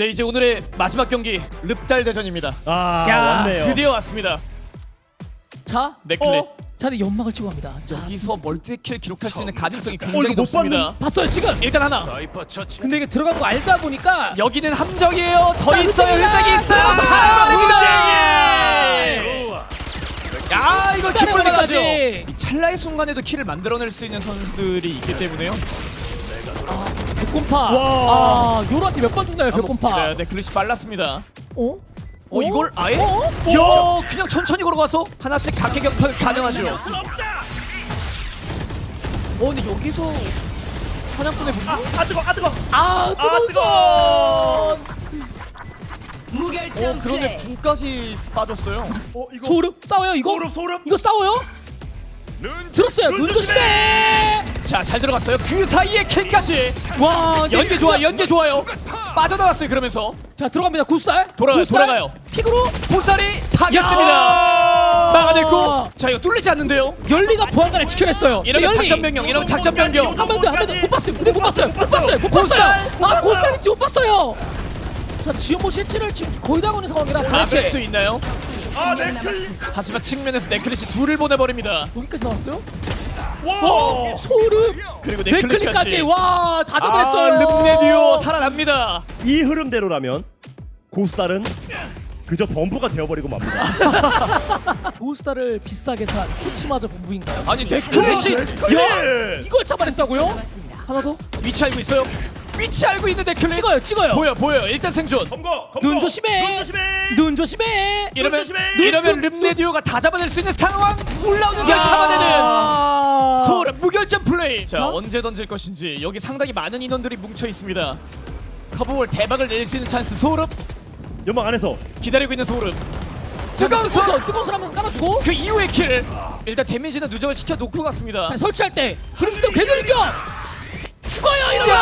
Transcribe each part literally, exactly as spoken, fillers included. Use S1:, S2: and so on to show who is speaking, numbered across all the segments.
S1: 네, 이제 오늘의 마지막 경기 릅달 대전입니다.
S2: 아
S3: 야,
S2: 왔네요.
S1: 드디어 왔습니다.
S3: 자,
S1: 네클릿.
S2: 어?
S3: 자, 네 연막을 치고 갑니다. 자,
S1: 여기서 멀티킬 기록할 수 있는 가능성이
S2: 어,
S1: 굉장히
S2: 이거 못
S1: 높습니다.
S3: 봤어요 지금.
S1: 일단 하나.
S4: 사이퍼 처치.
S3: 근데 이게 들어간 거 알다 보니까
S1: 여기는 함정이에요. 더
S3: 자,
S1: 있어요.
S3: 흑쟁이다.
S1: 흑쟁이 있어요.
S3: 아,
S1: 바라입니다.
S4: 좋아.
S1: 야, 이거
S3: 흑쟁이
S1: 기쁠만하죠.
S3: 까지.
S1: 이 찰나의 순간에도 킬을 만들어낼 수 있는 선수들이 있기 때문에요.
S3: 벽곰파.
S2: 와.
S3: 아, 요로한테 몇 번 죽나요 벽곰파?
S1: 자, 네클릿이 빨랐습니다.
S3: 어?
S1: 어, 이걸 아예?
S3: 어?
S1: 야, 그냥 천천히 걸어가서 하나씩 각계 격파 가능하죠. 어, 근데 여기서 사냥꾼의 분노?
S2: 아 뜨거, 아 뜨거.
S3: 아, 뜨거운
S2: 뜨거워.
S3: 손.
S1: 어, 그러네. 군까지 빠졌어요.
S2: 어 이거
S3: 소름 싸워요 이거?
S2: 소름 소름.
S3: 이거 싸워요?
S4: 눈
S3: 들었어요.
S2: 눈
S3: 눈 조심해.
S1: 자, 잘 들어갔어요. 그 사이에 킬까지.
S3: 와,
S1: 연계 좋아, 연계 좋아요. 빠져나갔어요. 그러면서
S3: 자, 들어갑니다. 구스달.
S1: 돌아가요,
S3: 구스달.
S1: 돌아가요.
S3: 픽으로
S1: 보살이 타겠습니다.
S3: 야!
S1: 막아냈고, 자, 이거 뚫리지 않는데요.
S3: 열리가 보안관을 지켜냈어요.
S1: 이러면
S3: 열리.
S1: 작전 변경, 이러면 작전 변경.
S3: 한 번 더, 한 번 더. 못 봤어요. 근데 못 봤어요. 못 봤어요. 못
S1: 고스달!
S3: 봤어요. 아, 고스달인지 못 봤어요. 자, 지금 뭐 실체를 지금 거의 다 거는 상황이라
S1: 막을 수
S3: 도대체
S1: 있나요?
S2: 아 네클.
S1: 하지만 측면에서 네클릿이 둘을 보내버립니다.
S3: 여기까지 나왔어요?
S2: 와.
S3: 어, 소름.
S1: 그리고
S3: 네클릭까지.
S1: 네클릿까지.
S3: 와, 다
S1: 아,
S3: 잡아냈어요.
S1: 릅네 듀오 살아납니다.
S2: 이 흐름대로라면 고스달은 그저 범부가 되어버리고 맙니다.
S3: 고스달을 비싸게 산 코치마저 본부인가요?
S1: 아니, 네클릿이
S2: 야!
S3: 이걸 잡아냈다고요?
S1: 하나 더 위치 알고 있어요? 위치 알고 있는 네클릿.
S3: 찍어요, 찍어요.
S1: 보여, 보여. 일단 생존.
S2: 검거, 검거.
S3: 눈 조심해.
S2: 눈 조심해.
S3: 눈 조심해.
S1: 이러면
S2: 조심해.
S1: 이러면 릅네 듀오가 다 잡아낼 수 있는 상황. 올라오는 걸 잡아내는
S3: 아.
S1: 소름 무결점 플레이. 자,
S3: 자?
S1: 언제 던질 것인지. 여기 상당히 많은 인원들이 뭉쳐 있습니다. 커브볼 대박을 낼 수 있는 찬스. 소름
S2: 연막 안에서.
S1: 기다리고 있는 소름.
S3: 자,
S1: 뜨거운 손.
S3: 뜨거운 손, 뜨거운 손 한번 깔아주고.
S1: 그 이후의 킬. 일단 데미지는 누적을 시켜 놓고 갔습니다.
S3: 자, 설치할 때 브림스톤 괴돌격 죽어요 이러면.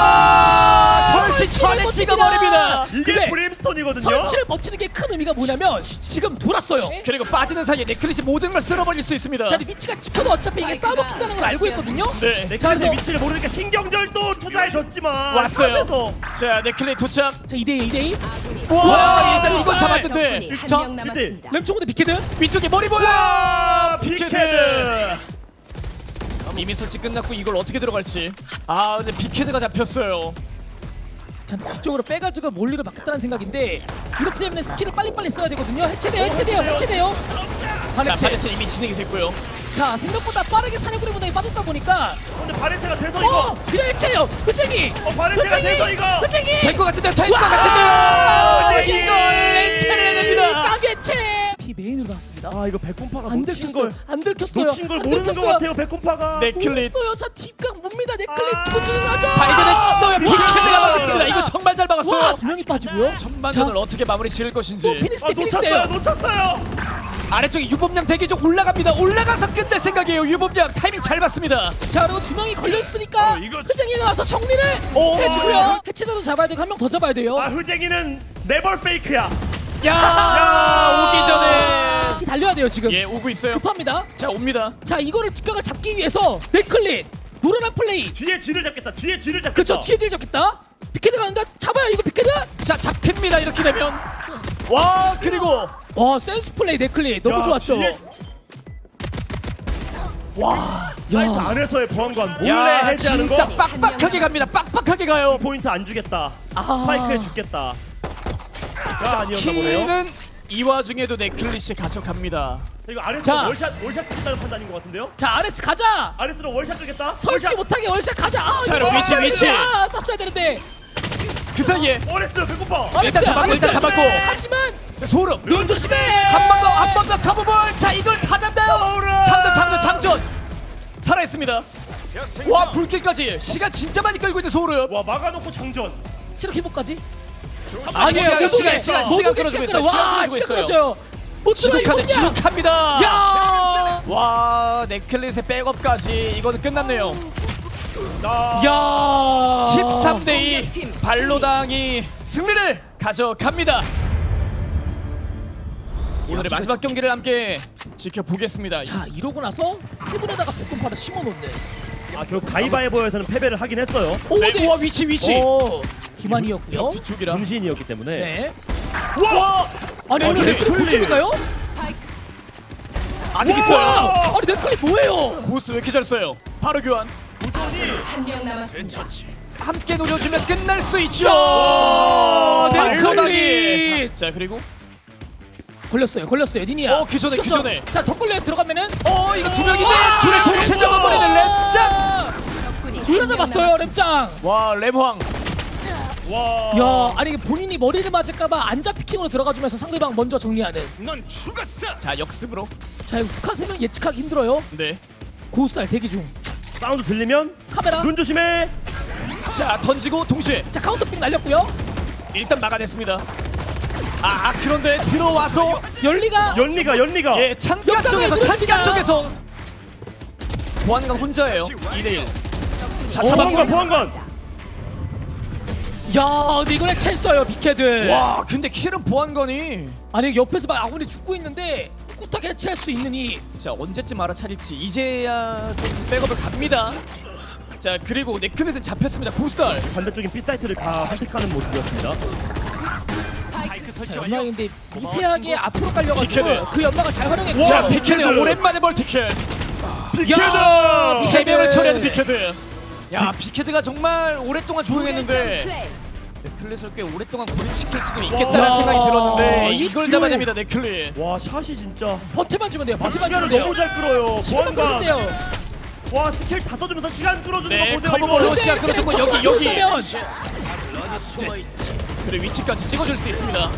S1: 야! 설치 전에
S3: 설치를
S1: 찍어버립니다.
S2: 이게
S3: 근데
S2: 브림스톤이거든요.
S3: 설치를 버티는 게 큰 의미가 뭐냐면 지금 돌았어요.
S1: 그리고 빠지는 사이에 네클릿이 모든 걸 쓸어버릴 수 있습니다.
S3: 자, 근데 위치가 찍혀도 어차피 이게 싸먹힌다는 걸 알고 있거든요.
S1: 네.
S3: 자,
S2: 네클의
S3: 그래서-
S2: 위치를 모르니까 신경절도 투자해줬지만
S1: 왔어요.
S2: 탑에서.
S1: 자, 네클릿 도착.
S3: 자, 이 대 이, 이 대 이.
S1: 와,
S3: 와,
S1: 일단 이건
S3: 아,
S1: 잡았는데
S3: 자,
S5: 한명 남았습니다.
S3: 램총대 비케드.
S1: 위쪽에 머리 보여.
S2: 와,
S1: 피케드.
S2: 피케드.
S1: 이미 설치 끝났고 이걸 어떻게 들어갈지. 아, 근데 피케드가 잡혔어요.
S3: 자, 뒤쪽으로 빼가지고 몰리를 막겠다는 생각인데 이렇게 되면 스킬을 빨리빨리 써야 되거든요. 해체돼요, 해체돼요, 해체돼요.
S1: 자,
S3: 반해체.
S1: 바레츠 이미 진행이 됐고요.
S3: 자, 생각보다 빠르게 사냥꾼의 무대에 빠졌다 보니까
S2: 근데 바렌체가 돼서
S3: 어!
S2: 이거.
S3: 그냥 해체요! 흐쟁이!
S2: 어, 바렌체가 돼서 이거.
S3: 흐쟁이!
S1: 될 것 같은데요. 될 것
S3: 와!
S1: 같은데요.
S2: 네.
S1: 이걸 렌체를 해냅니다.
S3: 까개체! 피 메인으로 나왔습니다.
S2: 아 이거 백곰파가
S3: 안
S2: 놓친
S3: 들켰어요.
S2: 걸
S3: 안 들켰어요.
S2: 놓친 걸
S3: 안
S2: 모르는 것
S3: 들켰어요.
S2: 같아요 백곰파가.
S1: 네클릿
S3: 모르겠어요. 자, 뒷각 뭡니다. 네클릿
S2: 아.
S3: 두번 나죠.
S1: 발견했어요. 피케드가
S3: 와!
S1: 막았습니다. 이거 정말 잘
S3: 와,
S1: 막았어요.
S3: 두 명이 빠지고요.
S1: 전반전을 어떻게 마무리 지을 것인지.
S3: 또 피니스
S2: 아
S3: 때 피니스
S2: 놓쳤어요
S3: 때요.
S2: 놓쳤어요.
S1: 아래쪽에 유범양 대기 쪽 올라갑니다. 올라가서 끝낼 생각이에요. 유범양 타이밍 잘 봤습니다.
S3: 자, 그리고 두 명이 걸렸으니까
S4: 어, 이거-
S3: 흐쟁이가 와서 정리를
S1: 오.
S3: 해주고요. 해치자도 잡아야 되고 한 명 더 잡아야 돼요.
S2: 아 흐쟁이는 네벌 페이크야.
S1: 야,
S2: 야!
S1: 오기 전에.
S3: 달려야 돼요 지금.
S1: 예, 오고 있어요.
S3: 급합니다.
S1: 자, 옵니다.
S3: 자, 이거를 뒷각을 잡기 위해서 네클릿 노련한 플레이.
S2: 뒤에 뒤를 잡겠다. 뒤에 뒤를 잡겠다.
S3: 그렇죠. 뒤에 딜 잡겠다. 비케드 가는데 잡아요 이거 비케드.
S1: 자, 잡힙니다. 이렇게 되면. 와, 그리고
S3: 와, 센스 플레이 네클릿 너무
S2: 야,
S3: 좋았죠.
S2: 뒤에-
S1: 와,
S2: 사이트 안에서의 보안관 몰래
S1: 야,
S2: 해제하는
S1: 진짜
S2: 거.
S1: 빡빡하게 갑니다. 빡빡하게 가요.
S2: 포인트 안 주겠다.
S3: 아.
S2: 스파이크에 죽겠다. 가 아니었나 보네요.
S1: 키는 이 와중에도 네클릿이 가져갑니다.
S2: 이거 아레스로
S3: 자.
S2: 월샷 월샷 끄겠다는 판단인 것 같은데요?
S3: 자, 아레스 가자.
S2: 아레스로 월샷 끄겠다.
S3: 설치
S2: 월샷.
S3: 못하게 월샷 가자. 아,
S1: 자,
S3: 이거
S1: 위치,
S3: 쐈어야
S1: 위치.
S3: 되는데. 아, 쐈어야 되는데.
S1: 그 사이에
S2: 어레스 배고파.
S3: 아레스,
S1: 일단 잡았고,
S3: 아레스.
S1: 일단 잡았고.
S3: 하지만
S1: 소름.
S3: 눈 조심해.
S1: 한 번 더, 한 번 더 카브볼. 자, 이걸 다 잡나요?
S2: 소름.
S1: 참전, 참전, 참전. 살아있습니다.
S4: 약 생성.
S1: 와, 불길까지 시간 진짜 많이 끌고 있는 소름.
S2: 와 막아놓고 장전.
S3: 체력 회복까지.
S1: 아니에요,
S3: 못
S1: 시간,
S3: 오게.
S1: 시간,
S3: 못
S1: 시간
S3: 오게
S1: 끌어주고
S3: 시간
S1: 있어요.
S3: 끌어.
S1: 시간
S3: 와,
S1: 끌어주고
S3: 시간
S1: 있어요.
S3: 끌어줘요. 못 들어 이거
S1: 지독하네,
S3: 뭐냐?
S1: 지독합니다.
S3: 야.
S1: 와, 네클릿의 백업까지 이거는 끝났네요.
S2: 나.
S3: 야.
S1: 십삼 대 이 발로당이 승리를 가져갑니다. 오늘의 마지막 경기를 함께 지켜보겠습니다.
S3: 자, 이러고 나서 해븐에다가 볶음파를 심어놓네.
S2: 아 결국 가위바위보에서는 패배를 하긴 했어요.
S3: 오,
S1: 네, 우와, 위치, 위치.
S3: 오. 기만이었고요.
S1: 벽 뒤쪽이라.
S2: 분신이었기 때문에.
S3: 네.
S1: 와!
S3: 아니
S2: 아니,
S3: 이거 네클리
S2: 네클리.
S3: 본점인가요?
S1: 아직 있어요.
S3: 아니 네클리 뭐예요?
S1: 고스트 왜 이렇게 잘 써요? 바로 교환.
S5: 한명 남았습니다.
S4: 처치.
S1: 함께 노려주면 끝날 수 있죠.
S3: 네클리.
S1: 발로당이. 자, 자 그리고
S3: 걸렸어요. 걸렸어요. 니니야.
S1: 어, 그 전에, 그
S3: 시켰죠?
S1: 전에.
S3: 자, 더 걸려 들어가면
S1: 어 이거 두 명인데 둘의 동시에 잡아버리는 랩짱.
S5: 적군이
S3: 둘다
S5: 한명
S3: 잡았어요. 랩짱.
S1: 와 랩황.
S2: 와.
S3: 야, 아니 이게 본인이 머리를 맞을까봐 안잡 피킹으로 들어가주면서 상대방 먼저 정리하는.
S4: 넌 죽었어.
S1: 자 역습으로.
S3: 자, 이거 북한 세명 예측하기 힘들어요.
S1: 네.
S3: 고스타일 대기 중.
S2: 사운드 들리면
S3: 카메라.
S2: 눈 조심해.
S1: 자 던지고 동시에
S3: 자, 카운터픽 날렸고요.
S1: 일단 막아냈습니다. 아, 아 그런데 들어와서
S3: 열리가.
S2: 연리가 연리가.
S1: 예 창가
S3: 역장을
S1: 쪽에서
S3: 누릅니다.
S1: 창가 쪽에서 보안관 혼자예요. 이 대 일. 자
S3: 어,
S1: 잡았고.
S2: 보안관 보안관.
S3: 야, 근데 이걸 해체했어요, 빅헤드.
S1: 와 근데 킬은 보안관이.
S3: 아니 옆에서 막 아군이 죽고 있는데 꿋하게 해체할 수 있느니.
S1: 자 언제쯤 알아차릴지 이제야 좀 백업을 갑니다. 자 그리고 네크넷은 잡혔습니다. 고스달.
S2: 반대쪽인 B 사이트를 가 선택하는 모습이었습니다.
S4: 스파이크 설치
S3: 자,
S4: 완료.
S3: 연막인데 미세하게 앞으로 깔려가지고
S1: 빅헤드.
S3: 그 연막을 잘 활용했고.
S1: 자
S2: 와,
S1: 비케드
S2: 빅헤드.
S1: 오랜만에 멀티킬.
S3: 야,
S1: 세 명을
S3: 빅헤드.
S1: 처리하는 비케드. 야 비케드가 정말 오랫동안 조용했는데 네클릿을 꽤 오랫동안 고립시킬 수도 있겠다는
S3: 와.
S1: 생각이 들었는데
S3: 이
S1: 이걸
S3: 듀오.
S1: 잡아냅니다 네클릿.
S2: 와 샷이 진짜.
S3: 버텨만 주면 돼요.
S2: 아,
S3: 버텨만
S2: 시간을
S3: 주면 돼요.
S2: 너무 잘 끌어요.
S3: 시간만
S2: 보안관.
S3: 끌면 돼요.
S2: 와 스킬 다 써주면서 시간 끌어주는
S1: 네,
S2: 거 보세요
S1: 커버볼로
S2: 이거.
S1: 시작 끌어주고 여기 여기.
S3: 면
S4: 넌 숨어 있지.
S1: 그래 위치까지 찍어줄 수 있습니다.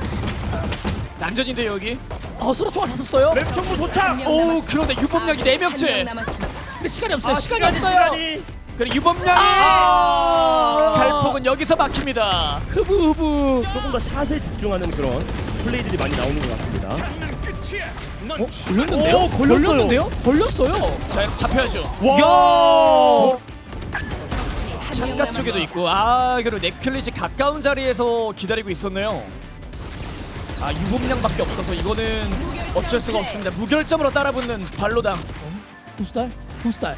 S1: 난전인데 여기.
S3: 어, 서로 총알 다 썼어요.
S2: 랩 총무 도착.
S1: 오 그런데 유범량이 네 명째.
S5: 한명 남았습니다.
S3: 근데 시간이 없어요.
S2: 아
S3: 시간이,
S2: 시간이
S3: 없어요.
S2: 시간이.
S1: 그래 유범량이
S3: 아,
S1: 갈폭은 여기서 막힙니다.
S3: 흐브 흐브.
S2: 조금 더 샷에 집중하는 그런 플레이들이 많이 나오는 것 같습니다.
S4: 장난 끝이야. 넌
S3: 어?
S4: 죽-
S3: 걸렸는데요?
S2: 오, 걸렸어요.
S3: 걸렸는데요? 걸렸어요.
S1: 자 잡혀야죠.
S2: 와.
S1: 창가 쪽에도 있고 아 그리고 네클릿이 가까운 자리에서 기다리고 있었네요. 아 유범량밖에 없어서 이거는 어쩔 수가 없습니다. 무결점으로 따라붙는 발로당.
S3: 부스달? 부스달.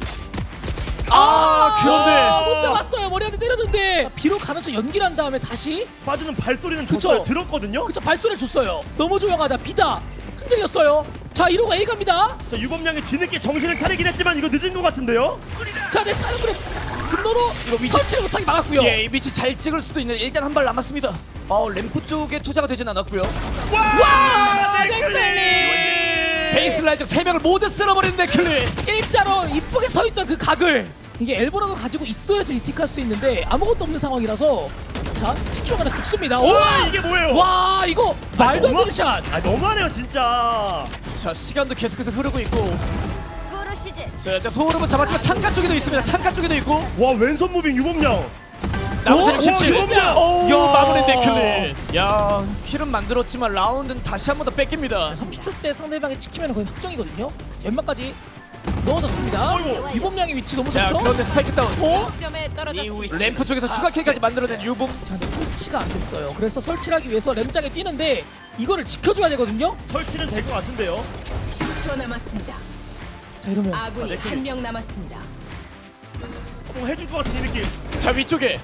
S1: 아 그런데
S3: 못 잡았어요. 머리한테 때렸는데 비록 가면서 연기를 한 다음에 다시
S2: 빠지는 발소리는
S3: 그쵸.
S2: 줬어요. 들었거든요.
S3: 그쵸 발소리를 줬어요. 너무 조용하다. 비다. 흔들렸어요. 자, 이로가 A 갑니다.
S2: 자 유범량이 뒤늦게 정신을 차리긴 했지만 이거 늦은 것 같은데요.
S3: 자, 내 사는 그룹 금노로
S1: 이거 위치-
S3: 설치를 못하게 막았고요.
S1: 예, 이 위치 잘 찍을 수도 있는 일단 한 발 남았습니다. 아 램프 쪽에 투자가 되진 않았고요.
S3: 와! 네클리!
S1: 베이스라인 쪽 세 명을 모두 쓸어버리는 네클릿.
S3: 일자로 이쁘게 서 있던 그 각을 이게 엘보라도 가지고 있어야지 리틱할 수 있는데 아무것도 없는 상황이라서 자, 십 킬로가 죽습니다.
S2: 와
S3: 와!
S2: 이게 뭐예요?
S3: 와, 이거 말도 안
S2: 너무-
S3: 되는 샷.
S2: 아 너무하네요 진짜.
S1: 자 시간도 계속해서 흐르고 있고
S5: 꾸르시즈.
S1: 자 일단 소름은 잡았지만 창가 쪽에도 있습니다. 창가 쪽에도 있고
S2: 와 왼손 무빙 유범량.
S1: 나머지
S3: 오,
S1: 십칠.
S3: 오, 유범량!
S1: 오
S3: 야.
S1: 마무리 네클릿. 야 킬은 만들었지만 라운드는 다시 한 번 더 뺏깁니다.
S3: 삼십 초 때 상대방이 찍히면 거의 확정이거든요. 연막까지 넣어졌습니다.
S2: 어이구.
S3: 유범량의 위치 너무
S1: 자
S3: 좋죠?
S1: 그런데 스파이크 다운.
S3: 어?
S5: 점에 떨어졌습니다.
S1: 램프 쪽에서 추가 킬까지 만들어낸 유봉.
S3: 자, 근데 설치가 안 됐어요. 그래서 설치를 하기 위해서 램장에 뛰는데 이거를 지켜줘야 되거든요.
S2: 설치는 될 것 같은데요.
S5: 십 초 남았습니다.
S3: 자, 이러면
S5: 아군이
S2: 네,
S5: 한 명 남았습니다.
S2: 뭐 해줄 것 같은 이 느낌.
S1: 자 위쪽에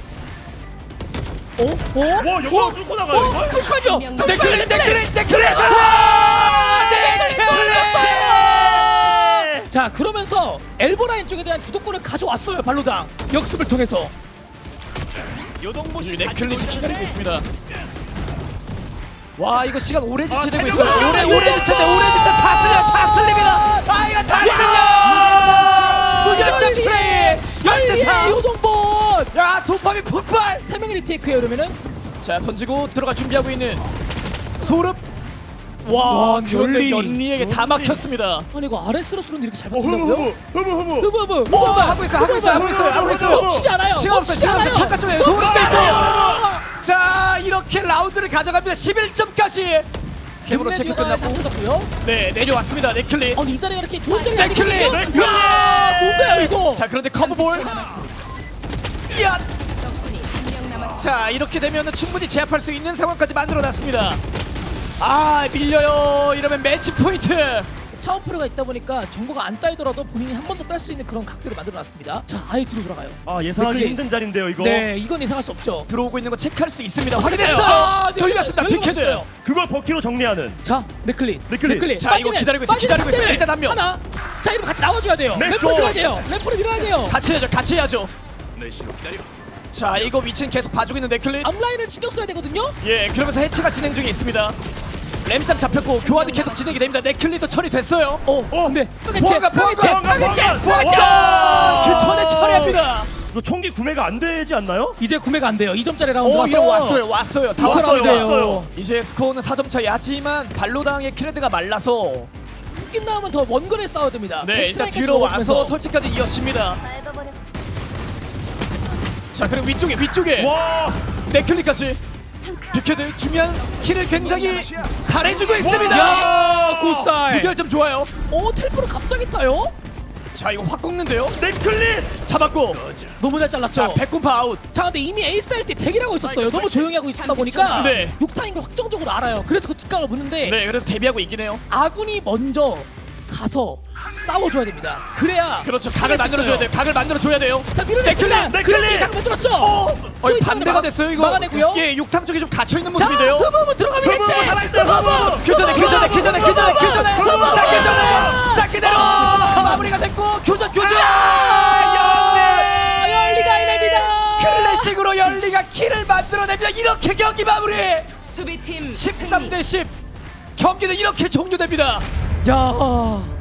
S3: 어? 어?
S2: 와 영광 뚫고 나가요
S3: 어?
S2: 이거.
S3: 잠시만요.
S5: 네,
S3: 잠시만요.
S1: 네클릿 네클릿 네클릿. 와 네클릿.
S3: 자, 그러면서 엘보라인 쪽에 대한 주도권을 가져왔어요. 발로당 역습을 통해서.
S4: 요동보시
S1: 네클릿이 기다리고 있습니다. 와 이거 시간 오래 지체되고
S2: 아,
S1: 있어요.
S2: 잠깐만.
S1: 오래 오래 지체돼 오래 지체 다 틀려 다 틀립니다. 아 이거 다 틀려. 무결점 플레이.
S3: 열리의
S1: 열대사.
S3: 요동본.
S1: 야 도파민 폭발.
S3: 세 명이 리테이크예요. 그러면은
S1: 자 던지고 들어갈 준비하고 있는 소름. 와
S3: 와,
S1: 그런데
S3: 연리.
S1: 연리에게 다 막혔습니다.
S3: 아니 이거 아래스로 쏘는데 이렇게 잘
S2: 어 흐무
S3: 맞춘다고요?
S2: 흐무 흐무 흐무.
S3: 흐브 흐브.
S1: 오 하고 있어 하고 있어 하고 있어요 하고 있어요.
S3: 치지 않아요.
S1: 시간 없어요 시간 없어요. 잠깐 쪽에 소름
S3: 멈추지
S1: 있고.
S3: 않아요.
S1: 자 이렇게 라운드를 가져갑니다. 십일 점까지. 캠으로 체크 끝났고
S3: 끝났고요.
S1: 네 내려왔습니다 네클릿.
S3: 어, 이 자리가 이렇게 좋은 자리
S1: 네클릿!
S3: 아니거든요.
S2: 네클릿!
S3: 와, 뭔가요 이거?
S1: 자 그런데 커브볼. 이야.
S5: 적군이 한 명 남았습니다.
S1: 자 이렇게 되면 충분히 제압할 수 있는 상황까지 만들어놨습니다. 아 밀려요. 이러면 매치 포인트.
S3: 차원프로가 있다 보니까 정보가 안 따이더라도 본인이 한 번 더 딸 수 있는 그런 각도를 만들어놨습니다. 자, 아예 뒤로 돌아가요.
S2: 아 예상하기
S3: 네클리.
S2: 힘든 자리인데요 이거.
S3: 네, 이건 예상할 수 없죠.
S1: 들어오고 있는 거 체크할 수 있습니다.
S3: 아,
S1: 확인했어요.
S3: 네,
S1: 돌렸습니다.
S3: 열리고
S1: 빅헤드.
S3: 있어요.
S2: 그걸 버키로 정리하는.
S3: 자, 네클린.
S2: 네클린.
S1: 자, 이거 기다리고 있어요, 기다리고 있어요. 일단 한 명.
S3: 하나. 자, 이러면 같이 나와줘야 돼요.
S2: 렛츠고.
S3: 램프로 밀어야 돼요. 램프로 밀어야 돼요.
S1: 같이 해야죠. 같이 해야죠.
S4: 내 신호 기다려.
S1: 자, 이거 위치는 계속 봐주고 있는 네클릿.
S3: 앞라인을 신경 써야 되거든요.
S1: 예, 그러면서 해체가 진행 중에 있습니다. 램장 잡혔고 교환이 계속 진행이 됩니다. 네클릿도 처리됐어요.
S3: 어,
S2: 어,
S3: 근데
S1: 보아가,
S3: 파괴체, 파괴체,
S1: 보아가,
S3: 파괴체,
S2: 보아가.
S3: 파괴체.
S1: 와, 그 전에 처리합니다.
S2: 이거 총기 구매가 안 되지 않나요?
S3: 이제 구매가 안 돼요. 이 점짜리
S1: 오,
S3: 라운드라서
S1: 이거 왔어요. 왔어요. 다
S2: 왔어요,
S1: 왔어요.
S2: 왔어요.
S1: 이제 스코어는 사 점 차이. 하지만 발로당의 키레드가 말라서
S3: 낀 나오면 더 원거리에 싸워야 됩니다.
S1: 네, 일단
S3: 백스라인까지
S1: 뒤로 와서
S3: 먹으면서.
S1: 설치까지 이어집니다. 자, 그리고 위쪽에 위쪽에
S2: 와.
S1: 네클릿까지 빅헤드 중요한 킬을 굉장히 잘해주고 있습니다.
S3: 야, 고스타일.
S1: 무결점 좋아요.
S3: 어, 텔프로 갑자기 타요?
S1: 자, 이거 확 꺾는데요.
S2: 네클릿.
S1: 잡았고.
S3: 너무 잘 잘랐죠.
S1: 자, 백군파 아웃.
S3: 자, 근데 이미 에이스 할 때 대기를 하고 있었어요. 너무 조용히 하고 있었다 보니까
S1: 네.
S3: 욕타인 걸 확정적으로 알아요. 그래서 그 뒷각을 보는데
S1: 네, 그래서 데뷔하고 있긴 해요.
S3: 아군이 먼저 가서 싸워줘야 됩니다. 그래야
S1: 그렇죠. 각을 만들어줘야 돼요. 각을 만들어줘야 돼요.
S3: 자, 밀어냈습니다.
S2: 네클린!
S3: 그렇게 각 만들었죠.
S1: 어, 어
S3: 소위
S1: 반대가
S3: 막아-
S1: 됐어요. 이거
S3: 막아내고요.
S1: 예, 육탕 쪽에 좀 갇혀 있는
S3: 자,
S1: 모습인데요.
S3: 그 부분 들어가면
S2: 그 부분
S3: 해체.
S2: 살아있어요, 그 부분.
S1: 교전에 교전에 교전에 교전에 교전에
S3: 부분!
S1: 자 교전에 자 그대로 마무리가 됐고 교전 교전
S3: 아, 열리가 이냅니다.
S1: 클래식으로 열리가 킬을 만들어냅니다. 이렇게 경기 마무리
S5: 수비팀
S1: 십삼 대 십 경기는 이렇게 종료됩니다.
S3: 야.